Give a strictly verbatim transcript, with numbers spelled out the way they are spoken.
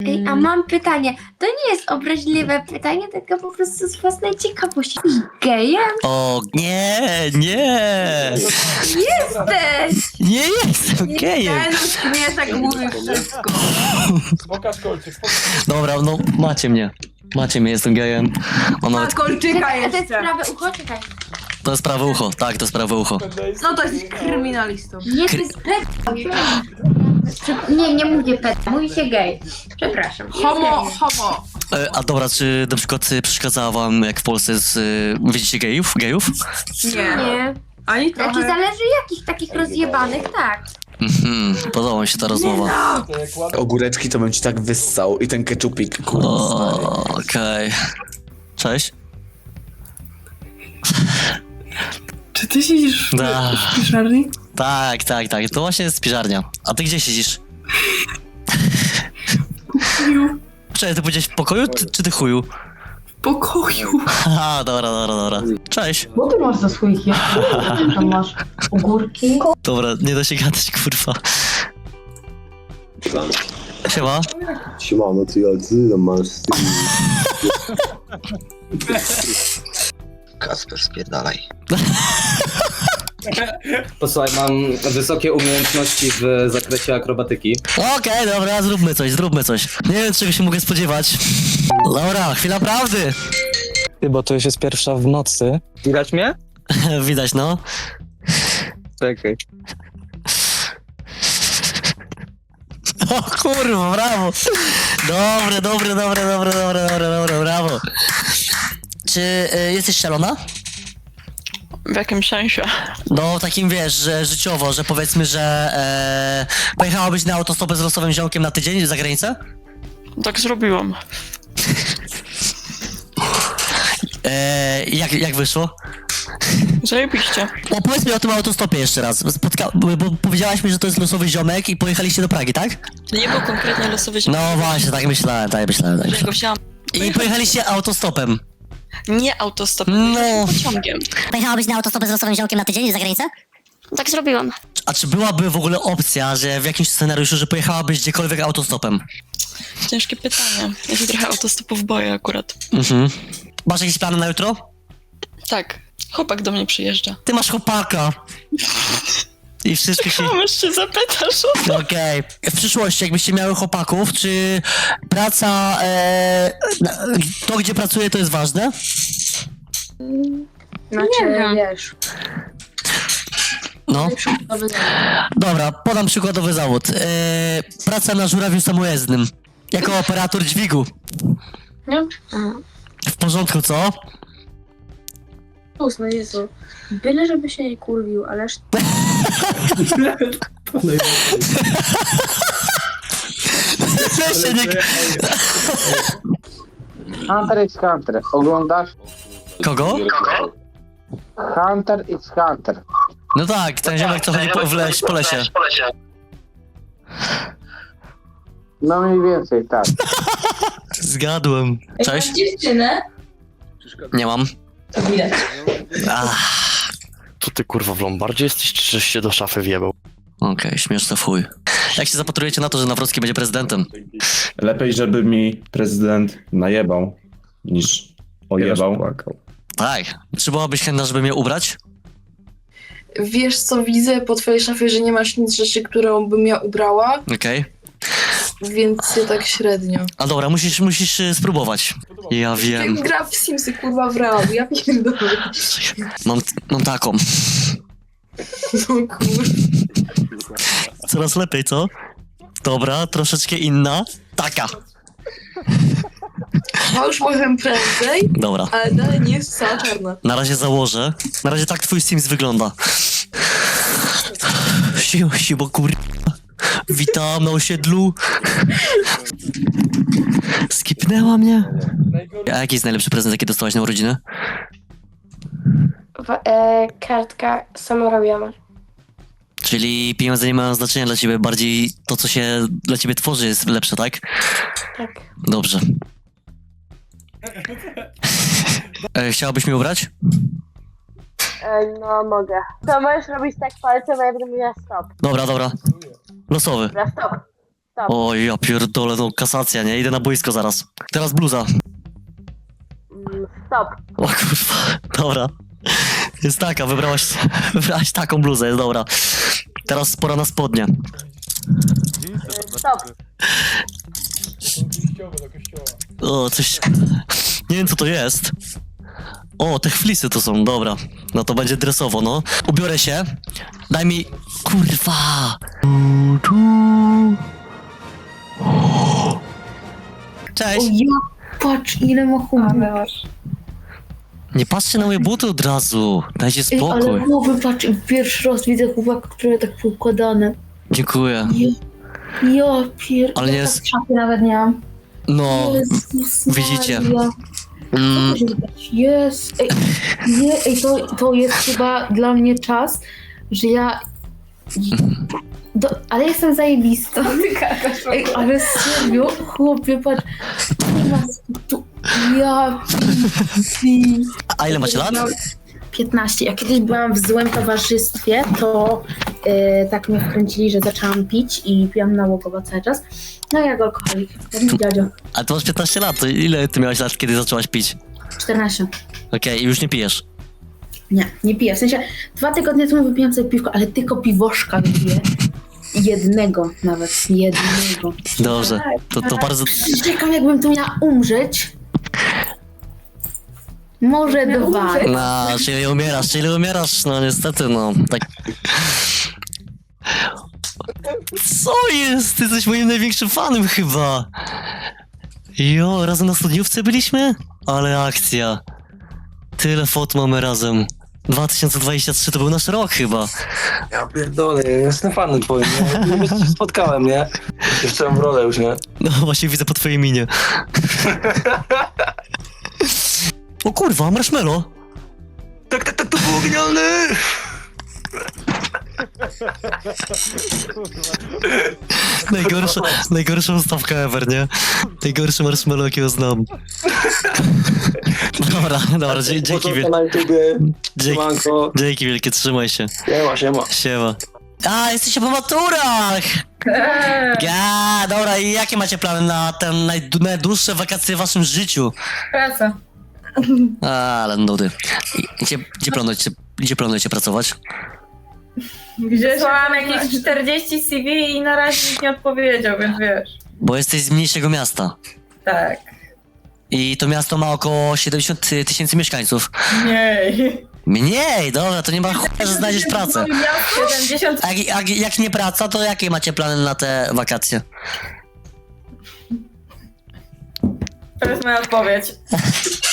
Ej, a mam pytanie. To nie jest obraźliwe pytanie, tylko po prostu z własnej ciekawości. Jesteś gejem? O, nie, nie. Jesteś! Nie jestem gejem. Ten mnie tak mówi wszystko. Pokaż kolczyk, pokaż. Dobra, no macie mnie. Macie mnie, jestem gejem. O, nawet, Kolczyka A to jest jeszcze. prawe ucho? Czekaj. to jest prawe ucho, tak, to jest prawe ucho. No to jest kryminalistą. Nie, to jest pet. Nie, nie mówię pet, mówi się gej. Przepraszam. Jest Homo, gejem. homo. E, a dobra, czy na przykład y, przeszkadzała wam, jak w Polsce jest, y, widzicie gejów? Gejów? Nie. Nie. Ani Znaczy trochę. zależy jakich takich rozjebanych, tak. Mhm, podoba mi się ta rozmowa. Ogóreczki to bym ci tak wyssał i ten keczupik, kurwa. O, okej. Cześć. Czy ty siedzisz w Da. piżarni? Tak, tak, tak, to właśnie jest piżarnia. A ty gdzie siedzisz? Chuju. Cześć, ty powiedziałeś w pokoju, czy, czy ty chuju? W pokoju. Aha, dobra, dobra, dobra. Cześć. Bo ty masz za swoich jabłek, tam masz ogórki. Dobra, nie da się gadać, kurwa. Siema. Siemano, ty ja ty tam masz z tymi... Kasper, spierdalaj. Posłuchaj, mam wysokie umiejętności w zakresie akrobatyki. Okej, dobra, zróbmy coś, zróbmy coś. Nie wiem, czego się mogę spodziewać. Dobra, chwila prawdy. Ty, bo to już jest pierwsza w nocy. Widać mnie? Widać, no. Czekaj. O kurwa, brawo. Dobre, dobre, dobre, dobre, dobre, dobre, dobre, brawo. Czy y, jesteś szalona? W jakim sensie? No, takim wiesz, że życiowo, że powiedzmy, że e, pojechałabyś na autostopę z losowym ziomkiem na tydzień za granicę? Tak zrobiłam. E, jak, jak wyszło? Zajebiście. Opowiedz mi o tym autostopie jeszcze raz, Spotka bo bo powiedziałaś mi, że to jest losowy ziomek i pojechaliście do Pragi, tak? To nie był konkretnie losowy ziom. No właśnie, tak myślałem, tak myślałem, tak Ja go myślałem. wzięłam. I pojechaliście autostopem. Nie autostopem, No. no. Pociągiem. Pojechałabyś na autostopę z losowym ziomkiem na tydzień za granicę? Tak zrobiłam. A czy byłaby w ogóle opcja, że w jakimś scenariuszu, że pojechałabyś gdziekolwiek autostopem? Ciężkie pytanie. Ja się trochę autostopów boję akurat. Mhm. Masz jakieś plany na jutro? Tak. Chłopak do mnie przyjeżdża. Ty masz chłopaka. I wszystko się... Komuś się zapytasz o to? Okej. W przyszłości, jakbyście miały chłopaków, czy praca, e, na- to gdzie pracuje, to jest ważne? Znaczy, wiesz. No. Dobra, podam przykładowy zawód. E, praca na żurawiu samojezdnym. Jako operator dźwigu. No. W porządku, co? No Jezu. Byle żeby się nie kurwił, ależ... Weź się nie... Hunter x Hunter. Oglądasz? Kogo? Hunter x Hunter. No tak, ten ziomek co chodzi po, w leś, po lesie. No mniej więcej, tak. Zgadłem. Cześć? dziewczynę? Nie mam. To widać. Ach. Tu ty kurwa w Lombardzie jesteś, czy żeś się do szafy wjebał? Okej, śmieszne w chuj. Jak się zapatrujecie na to, że Nawrocki będzie prezydentem? Lepiej, żeby mi prezydent najebał, niż ojebał. Tak. Czy byłabyś chętna, żeby mnie ubrać? Wiesz co, widzę po twojej szafie, że nie masz nic rzeczy, którą bym ja ubrała, Okej. więc ja tak średnio. A dobra, musisz, musisz y, spróbować. Ja wiem. Jak gra w Simsy, kurwa, w realu, ja pierdolę. Mam, mam taką. No kurwa. Coraz lepiej, co? Dobra, troszeczkę inna. Taka. Ja już mówiłem prędzej, Dobra. ale dalej nie jest cała czarna. Na razie założę. Na razie tak twój Sims wygląda. Siło, siło kur... Witam na osiedlu. Skipnęła mnie. A jaki jest najlepszy prezent, jaki dostałaś na urodziny? E, kartka samorobiona. Czyli pieniądze nie mają znaczenia dla ciebie, bardziej to, co się dla ciebie tworzy, jest lepsze, tak? Tak. Dobrze. E, chciałabyś mi ubrać? No mogę. To możesz robić tak palcem, a ja będę miała stop. Dobra, dobra. Losowy. Dobra, stop. O, ja pierdolę, no kasacja, nie? Idę na boisko zaraz. Teraz bluza. Stop. O kurwa, dobra. Jest taka, wybrałaś, wybrałaś taką bluzę, jest dobra. Teraz pora na spodnie. Stop. O, coś... Nie wiem co to jest. O, te flisy to są, dobra. No to będzie dresowo, no. Ubiorę się. Daj mi... Kurwa! Cześć! O ja, patrz ile ma humu. Nie patrzcie na moje buty od razu. Dajcie Ej, ale spokój. głowy, patrz, pierwszy raz widzę chłopaka, które tak poukładane. Dziękuję. Ja, ja pier... Ale nie ja jest... tak szafy nawet nie mam. No... Jezus widzicie. Maria. Mm, Jest. Ej, nie, ej, to, to jest chyba dla mnie czas, że ja... Do, ale jestem zajebista. Ej, ale serio, chłopie, patrz. Nie ma tu, ja... pi- a ile macie lat? piętnaście. Ja kiedyś byłam w złym towarzystwie, to e, tak mnie wkręcili, że zaczęłam pić i piłam nałogowo cały czas. No jak alkoholik, jak mój dziadzio. A ty masz piętnaście lat, to ile ty miałeś lat, kiedy zaczęłaś pić? czternaście. Okej, i już nie pijesz. Nie, nie piję. W sensie dwa tygodnie temu wypiłam sobie piwko, ale tylko piwoszka wypiję. Jednego nawet, jednego. Dobrze, to, to bardzo... Czekam, jakbym tu miała umrzeć. Może dwa. No, czyli umierasz, czyli umierasz, no niestety, no, tak... Co jest? Ty jesteś moim największym fanem chyba. Jo, razem na studniówce byliśmy? Ale akcja. Tyle fot mamy razem. dwa tysiące dwudziesty trzeci to był nasz rok chyba. Ja pierdolę, ja jestem fanem twoim, nie? Już się spotkałem, nie? Jeszcze w rolę już, nie? No właśnie widzę po twojej minie. O kurwa, marshmallow. Tak, tak, tak, to było genialne! Najgorsza, najgorsza ustawka ever, nie? Najgorszy marshmallow, jakiego znam. Dobra, dobra, dzie- dzięki wielkie. na YouTubie, Dzięki, siemanko. dzięki wielkie, trzymaj się. Siema, siema. Siema. A, jesteście po maturach! Ja, dobra, i jakie macie plany na ten najd- najdłuższe wakacje w waszym życiu? Praca. A, ale nudy. I- Gdzie, gdzie, planujecie, gdzie planujecie pracować? Wysłałam jakieś czterdzieści C V i na razie nikt nie odpowiedział, więc wiesz. Bo jesteś z mniejszego miasta. Tak. I to miasto ma około siedemdziesiąt tysięcy mieszkańców. Mniej. Mniej, dobra, to nie ma chuja, że znajdziesz pracę. siedemdziesiąt. A, jak- a jak nie praca, to jakie macie plany na te wakacje? To jest moja odpowiedź.